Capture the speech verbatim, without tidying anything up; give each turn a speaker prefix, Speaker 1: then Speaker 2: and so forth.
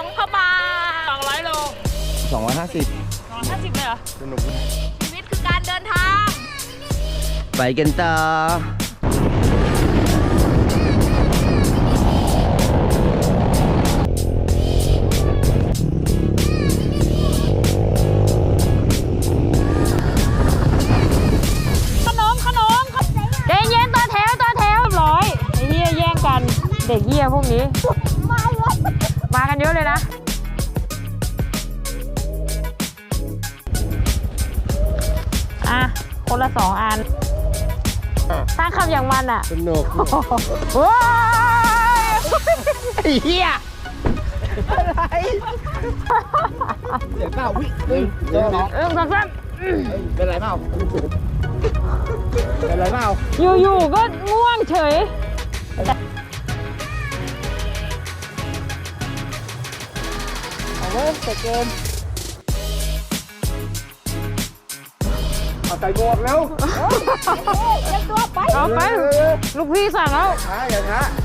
Speaker 1: งเข้ามาสองร้อยโล
Speaker 2: สองร้อยห้าสิบ
Speaker 1: สองร้อยห้าสิบเลยเหรอ
Speaker 2: สนุก
Speaker 1: ชีวิตคือการเดินทาง
Speaker 2: ไปกันต่อ
Speaker 1: ขนมขนมเดนเย็นต่อแถวต่อแถวร้อยไอ้เหี้ยแย่งกัน เด็กเหี้ยพวกนี้ มากันเยอะเลยนะ อ่ะ คนละสองอันสร้างคำอย่างมันอ่ะ
Speaker 2: สนุก
Speaker 1: ว้าย
Speaker 2: ไอ้เหี้ยอะไรเดี๋ยวเปล่าวิเฮ้ยเดี๋ยวน้อง
Speaker 1: เอิ่มกันครับ
Speaker 2: เป็นไรเปล่าเป็นไรเปล่า
Speaker 1: อยู่ๆก็ง่วงเฉย
Speaker 2: เอาเว้ยเสร็จเกมเอาใส่หมวกแล้ว
Speaker 1: เอาไป ลูกพี่สั่งแล้ว
Speaker 2: ช้าอย่าช้า